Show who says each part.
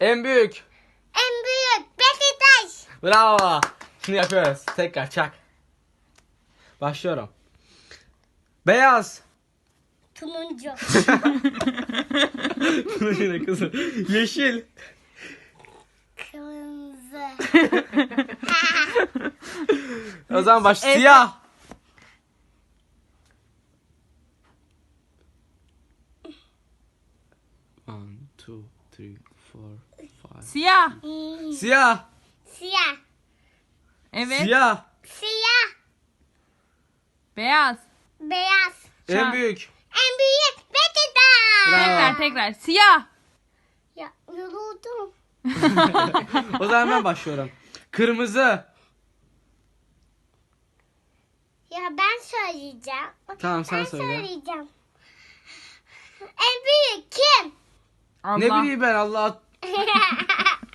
Speaker 1: En büyük.
Speaker 2: En büyük Beşiktaş.
Speaker 1: Bravo. Şimdi yapıyoruz. Tekrar çak. Başlıyorum. Beyaz.
Speaker 2: Turuncu.
Speaker 1: Bunu yine kızım. Yeşil.
Speaker 2: Kırmızı.
Speaker 1: O zaman baş.
Speaker 3: Evet.
Speaker 1: Siyah. One, two, three, four, five.
Speaker 3: Siyah.
Speaker 1: Siyah.
Speaker 2: Siyah.
Speaker 3: Evet.
Speaker 1: Siyah.
Speaker 2: Siyah.
Speaker 3: Beyaz.
Speaker 2: Beyaz.
Speaker 3: Şu
Speaker 1: En
Speaker 3: an-
Speaker 1: büyük.
Speaker 2: En büyük Beşiktaş.
Speaker 1: Bravo.
Speaker 3: Tekrar. Siyah.
Speaker 2: Ya yoruldum.
Speaker 1: O zaman ben başlıyorum. Kırmızı.
Speaker 2: Ya ben söyleyeceğim.
Speaker 1: Tamam, sen
Speaker 2: ben
Speaker 1: söyle.
Speaker 2: söyleyeceğim. En büyük kim?
Speaker 3: Allah.
Speaker 1: Ne bileyim ben Allah.